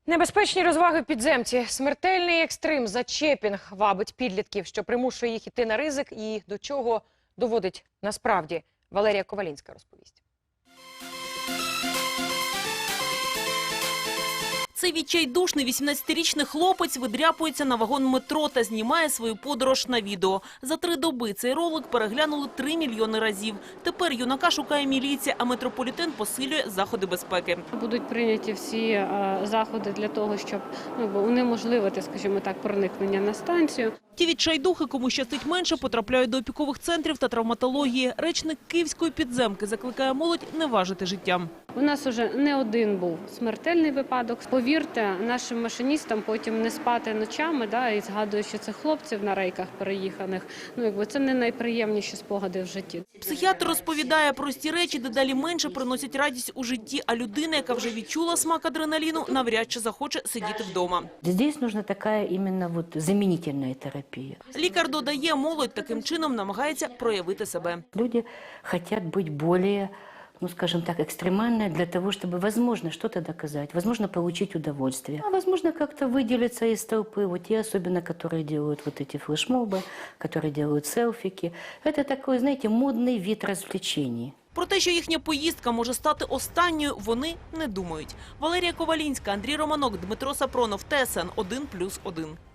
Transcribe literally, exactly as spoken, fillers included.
Небезпечні розваги в підземці. Смертельний екстрим зачепінг вабить підлітків, що примушує їх іти на ризик і до чого доводить насправді. Валерія Ковалінська розповість. Цей відчайдушний вісімнадцятирічний хлопець видряпується на вагон метро та знімає свою подорож на відео. За три доби цей ролик переглянули три мільйони разів. Тепер юнака шукає міліція, а метрополітен посилює заходи безпеки. Будуть прийняті всі е, заходи для того, щоб ну, унеможливити, скажімо так, проникнення на станцію. Ті відчайдухи, кому щастить менше, потрапляють до опікових центрів та травматології. Речник київської підземки закликає молодь не важити життям. У нас уже не один був смертельний випадок. Повірте, нашим машиністам потім не спати ночами, да, і згадуючи цих хлопців на рейках переїханих, ну якби це не найприємніші спогади в житті. Психіатр розповідає, прості речі дедалі менше приносять радість у житті, а людина, яка вже відчула смак адреналіну, навряд чи захоче сидіти вдома. Здесь нужна така іменно вот замінительна терапія. Лікар додає, молодь таким чином намагається проявити себе. Люди хочуть бути більш, ну, скажем так, экстремально для того, чтобы, возможно, что-то доказать, возможно, получить удовольствие, а возможно, как-то выделиться из толпы, вот те особенно, которые делают вот эти флешмобы, которые делают селфики. Это такой, знаете, модный вид развлечений. Про те, що їхня поїздка може стати останньою, вони не думають. Валерія Ковалінська, Андрій Романок, Дмитро Сапронов, Т С Н один плюс один.